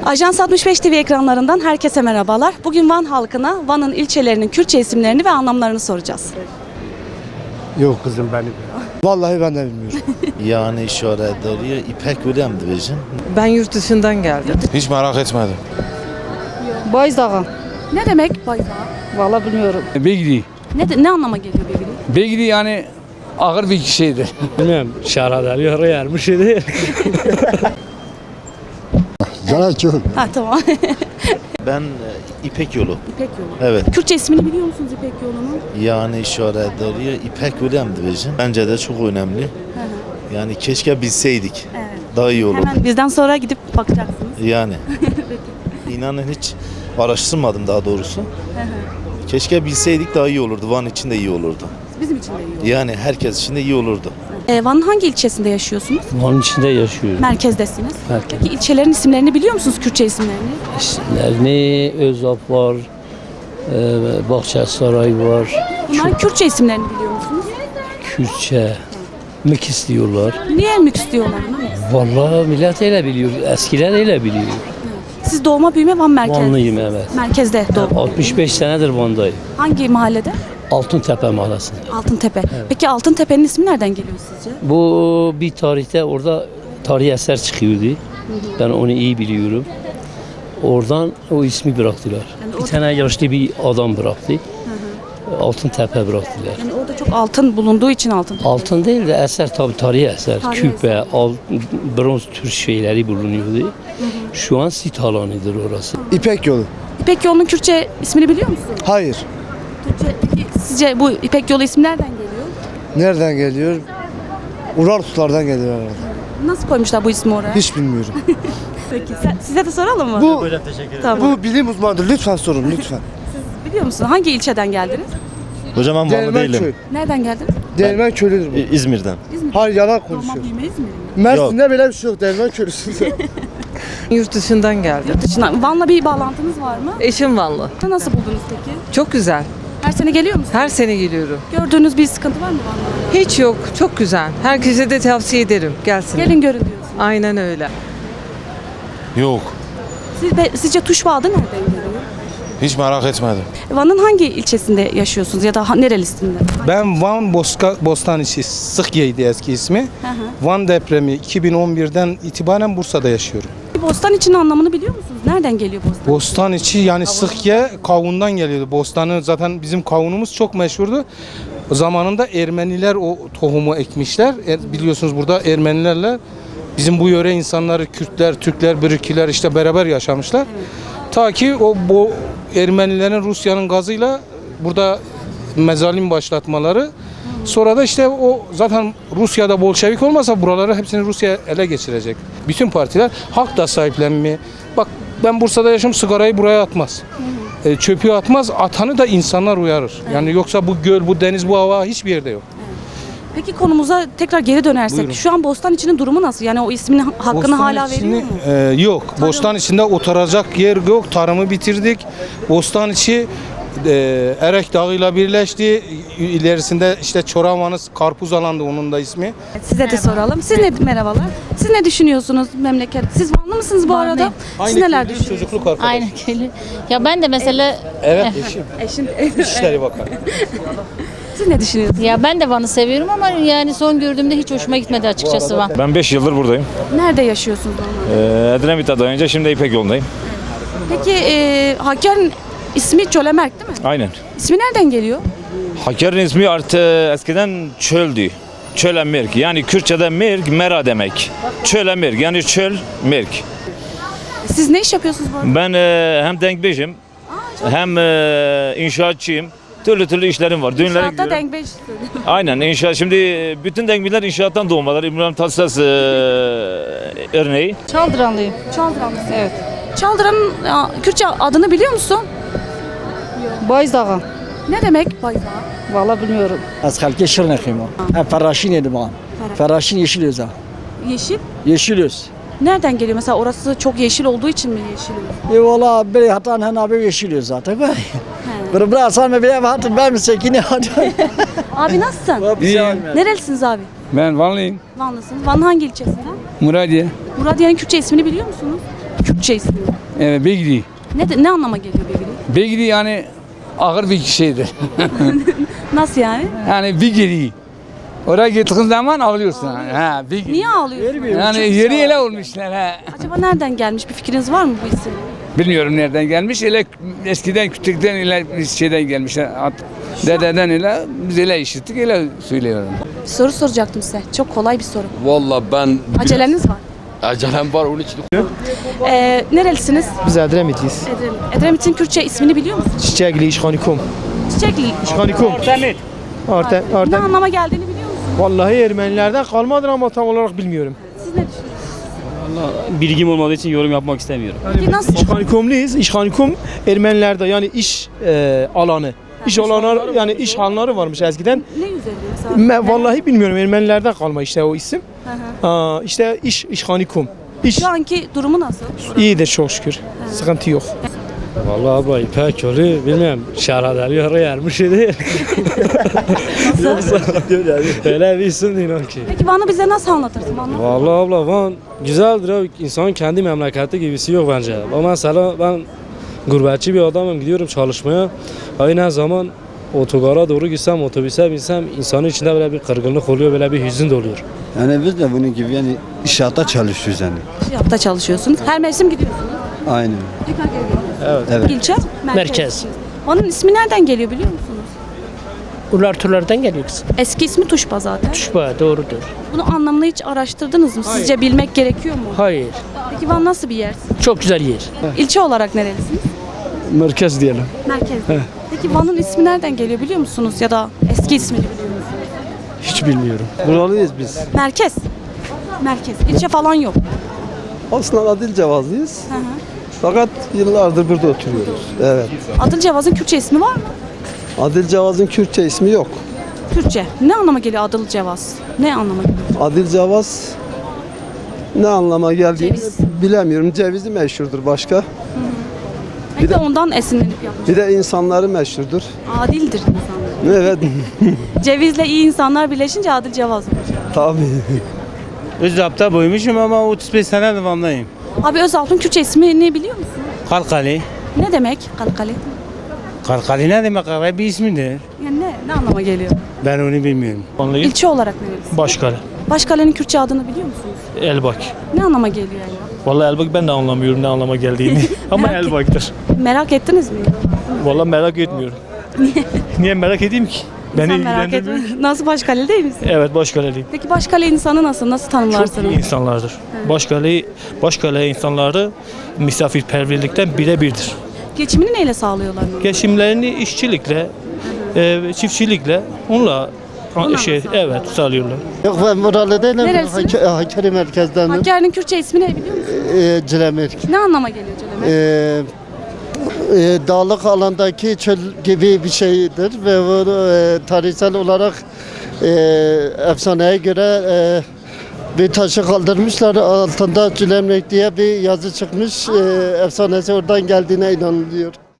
Ajans 65 TV ekranlarından herkese merhabalar. Bugün Van halkına Van'ın ilçelerinin Kürtçe isimlerini ve anlamlarını soracağız. Yok kızım ben vallahi ben de bilmiyorum. Yani işaret ediyor. İpek William Division. Ben yurt dışından geldim. Hiç merak etmedim. Bayızdağı. Ne demek bayrağı? Vallahi bilmiyorum. Begri. Ne anlama geliyor Begri? Begri yani ağır bir şeydir. Bilmiyorum. Şarada bir yer bir şey değil. Zaten çok. Ha tamam. Ben İpek Yolu. İpek yolu. Evet. Kürtçe ismini biliyor musunuz İpek yolunun? Yani işaret ediyor. İpek William Division. Bence de çok önemli. Yani keşke bilseydik. Evet. Daha iyi olurdu. Hemen bizden sonra gidip bakacaksınız. Yani. İnanın hiç araştırmadım daha doğrusu. Keşke bilseydik daha iyi olurdu. Van için de iyi olurdu. Bizim için de iyi olur. Yani herkes için de iyi olurdu. Van'ın hangi ilçesinde yaşıyorsunuz? Onun içinde yaşıyoruz. Merkezdesiniz. Merkez. Peki ilçelerin isimlerini biliyor musunuz Kürtçe isimlerini? İsimlerini Özap var, Bahçesaray var, Bunların Kürtçe isimlerini biliyor musunuz? Kürtçe, Mıkis diyorlar. Niye Müks diyorlar ona? Vallahi millet öyle biliyor, eskiler öyle biliyor. Siz doğma büyüme Van merkez. Vanlıyım evet. Merkezde doğdum. 65 senedir Van'dayım. Hangi mahallede? Altıntepe mahallesinde. Altıntepe. Peki Altıntepe'nin ismi nereden geliyor sizce? Bu bir tarihte orada tarihi eser çıkıyordu. Ben onu iyi biliyorum. Oradan o ismi bıraktılar. Bir tane yaşlı bir adam bıraktı. Altıntepe bıraktılar. Yani orada çok altın bulunduğu için Altıntepe. Altın değil de eser tabii tarihi eser. Tarihi Küpe, bronz tür şeyleri bulunuyordu. Şu an sit alanıdır orası. İpek yolu. İpek yolunun Kürtçe ismini biliyor musunuz? Hayır. Peki sizce bu İpek yolu ismi nereden geliyor? Nereden geliyor? Urartulardan geliyor herhalde. Nasıl koymuşlar bu ismi oraya? Hiç bilmiyorum. Peki size de soralım mı? Bu Tamam. bu bilim uzmanıdır. Lütfen sorun lütfen. Biliyor musunuz? Hangi ilçeden geldiniz? Hocam ben Vanlı Değirmen köy. değilim. Nereden geldiniz? Değirmen köylüdür bu. İzmir'den. Hayır yalan Doğma konuşuyor. büyüme İzmir'in. Mersin'de böyle bir şey yok. Değirmen köylüsün. Yurt dışından geldim. Dışından. Van'la bir bağlantınız var mı? Eşim Vanlı. Nasıl buldunuz peki? Çok güzel. Her sene geliyor musunuz? Her sene geliyorum. Gördüğünüz bir sıkıntı var mı Van'la? Hiç yok. Çok güzel. Herkese de tavsiye ederim. Gelsin. Gelin görün diyorsunuz. Aynen öyle. Yok. Sizce Tuşba adı nereden geliyor? Hiç merak etmedim. Van'ın hangi ilçesinde yaşıyorsunuz ya da nerelisinde? Ben Van Bostanisi, Sıhye'ydi eski ismi. Van depremi 2011'den itibaren Bursa'da yaşıyorum. Bostan için anlamını biliyor musunuz? Nereden geliyor Bostan? Bostaniçi yani Sıhye kavundan geliyordu. Bostanı zaten bizim kavunumuz çok meşhurdu. O zamanında Ermeniler o tohumu ekmişler. Biliyorsunuz burada Ermenilerle bizim bu yöre insanları Kürtler, Türkler, Bürkiler işte beraber yaşamışlar. Ta ki bu Ermenilerin Rusya'nın gazıyla burada mezalim başlatmaları. Sonra da işte o zaten Rusya'da Bolşevik olmasa buraları hepsini Rusya ele geçirecek. Bütün partiler halk da sahiplenmeye. Bak ben Bursa'da yaşıyorum, sigarayı buraya atmaz. Çöpü atmaz, atanı da insanlar uyarır. Yani yoksa bu göl, bu deniz, bu hava hiçbir yerde yok. Peki konumuza tekrar geri dönersek, Buyurun. şu an Bostan içinin durumu nasıl? Yani o ismin hakkını Bostan hala içini- veriyor mu? Yok. Bostan içinde oturacak yer yok. Tarımı bitirdik. Bostan içi Erek Dağı'yla birleşti. İlerisinde işte Çoravanız Karpuz Alan'dı onun da ismi. Size de soralım. Siz merhabalar. Siz ne düşünüyorsunuz memleket? Siz Vanlı mısınız bu arada? Siz neler köylü, düşünüyorsunuz? çocukluk arkadaşı. Aynen köylü. Ya ben de mesela Evet eşim. Eşin, İçişleri Bakanı. siz ne düşünüyorsunuz? ya ben de Van'ı seviyorum ama yani son gördüğümde hiç hoşuma gitmedi açıkçası Van. Ben 5 yıldır buradayım. Nerede yaşıyorsunuz normalde? Edremit'e önce şimdi İpek yolundayım. Peki Hakkari'nin ismi Çölemerk değil mi? Aynen. İsmi nereden geliyor? Hakkari'nin ismi eskiden çöldü. Çöle Mirk. Yani Kürtçe'de Mirk, Mera demek. Çöle Mirk yani çöl Mirk. Siz ne iş yapıyorsunuz bu arada? Ben hem denkbeşim hem inşaatçıyım. Türlü işlerim var. Düğünlere İnşaatta gidiyorum. denk 5. Aynen inşaat. Şimdi bütün denkbiler inşaattan doğmalar. İbrahim Tatlıses örneği. Çaldıranlıyım. Çaldıranlısın. Evet. Çaldıran'ın Kürtçe adını biliyor musun? Bayızdağı. Ne demek bayrağı? Vallahi bilmiyorum. از خلک شیر نخیم فراشین edimam. Feraşin yeşil öz ha. Yeşil. Yeşil öz. Nereden geliyor? Mesela orası çok yeşil olduğu için mi yeşil oluyor? Valla bir hatan hen abi yeşil öz zaten. Bir bıraksan mı bile hatın ben mi sekini hatan. Abi nasılsın? Nerelisiniz abi? Ben Vanlıyım. Vanlısınız. Van'ın hangi ilçesinden? Muradiye. Muradiye'nin Kürtçe ismini biliyor musunuz? Kürtçe ismi. Evet, Begri. Ne anlama geliyor Begri? Begri yani ağır bir şeydir. Nasıl yani? Yani Begri. Oraya gittiğin zaman ağlıyorsun. Ha, Begri. Niye ağlıyorsun? Yani yeri ele olmuşlar ha. Acaba nereden gelmiş? Bir fikriniz var mı bu isim? Bilmiyorum nereden gelmiş. Ele eskiden küçükten ile şeyden gelmişler. Dededen ile biz ele işittik, ele söylüyorum. Bir soru soracaktım size. Çok kolay bir soru. Vallahi ben Aceleniz var. acelem var onun için. Nerelisiniz? Biz Edremit'iyiz. Edremit'in Kürtçe ismini biliyor musunuz? Çiçekli İşhanikum. Çiçekli. İşhanikum. Artem. Ne anlama geldiğini biliyor musunuz? Vallahi Ermenilerden kalmadır ama tam olarak bilmiyorum. Siz ne düşünüyorsunuz? Bilgim olmadığı için yorum yapmak istemiyorum. Peki nasıl? İşhanikumluyuz. İşhanikum Ermenilerde yani iş alanı. İş alanları yani iş hanları varmış eskiden. Ne üzerinde mesela? Vallahi bilmiyorum Ermenilerden kalma işte o isim. İşte İşhanikum. İş Şu anki durumu nasıl? iyidir çok şükür. Sıkıntı yok. Vallahi abla İpek yolu bilmiyorum. Şahradeli oraya yermiş idi. Öyle bir isim değil o ki. Peki Van'ı bize nasıl anlatırsın? Anlat. Vallahi abla Van güzeldir abi. İnsanın kendi memleketi gibisi yok bence. Ama mesela ben gurbetçi bir adamım, gidiyorum çalışmaya. Aynı zaman otogara doğru gitsem, otobüse binsem insanın içinde böyle bir kırgınlık oluyor, böyle bir hüzün de oluyor. Yani biz de bunun gibi yani inşaatta çalışıyoruz yani. Yapta çalışıyorsunuz. Her mevsim gidiyorsunuz. Aynen. Tekrar geri geliyorsunuz. Evet. İlçe? Merkez. Van'ın ismi nereden geliyor biliyor musunuz? Urlarturlardan geliyoruz. Eski ismi Tuşba zaten. Tuşba doğrudur. Bunu anlamını hiç araştırdınız mı? Sizce bilmek gerekiyor mu? Hayır. Peki Van nasıl bir yer? Çok güzel yer. İlçe olarak nerelisiniz? Merkez diyelim. Merkez. Peki Van'ın ismi nereden geliyor biliyor musunuz? Ya da eski ismini biliyor musunuz? Hiç bilmiyorum. Buralıyız biz. Merkez. Merkez. İlçe falan yok. Aslında Adilcevazlıyız. Hı hı. Fakat yıllardır burada oturuyoruz. Evet. Adılcevaz'ın Kürtçe ismi var mı? Adilcevaz'ın Kürtçe ismi yok. Kürtçe. Ne anlama geliyor Adılcevaz? Ne anlama geliyor? Adilcevaz ne anlama geldiğini Ceviz. bilemiyorum. Cevizi meşhurdur başka. Belki de ondan esinlenip yapmış. Bir de insanları meşhurdur. Adildir insanlar. Evet. Cevizle iyi insanlar birleşince Adılcevaz olur. Tabii. Özap'ta boymuşum ama 35 senedir Van'dayım. Abi Özalp'ın Kürtçe ismini biliyor musun? Kalkali. Ne demek Kalkali? Kalkali ne demek? Arabi bir ismidir. Yani ne anlama geliyor? Ben onu bilmiyorum. İlçe olarak neresi? Başkale. Başkale'nin Kürtçe adını biliyor musunuz? Elbak. Ne anlama geliyor yani? Vallahi Elbak ben de anlamıyorum ne anlama geldiğini. Ama Merak et- Elbak'tır. Merak ettiniz mi? Vallahi merak etmiyorum. Niye merak edeyim ki? Beni Sen merak ilgilendirmiyor. etme. Nasıl Başkale değil misin? Evet Başkale'liyim. Peki Başkale insanı nasıl? Nasıl Çok tanımlarsınız? iyi insanlardır. Başkale insanları misafirperverlikten birebirdir. Geçimini neyle sağlıyorlar? Geçimlerini işçilikle, çiftçilikle onunla evet sağlıyorlar. Yok ben buralı değilim. Nerelisiniz? Hakkari merkezden. Hakkari'nin Kürtçe ismi ne biliyor musun? Cilemek. Ne anlama geliyor Celemet? Dağlık alandaki çöl gibi bir şeydir ve bu tarihsel olarak efsaneye göre bir taşı kaldırmışlar, altında Cilemrek diye bir yazı çıkmış, efsanesi oradan geldiğine inanılıyor.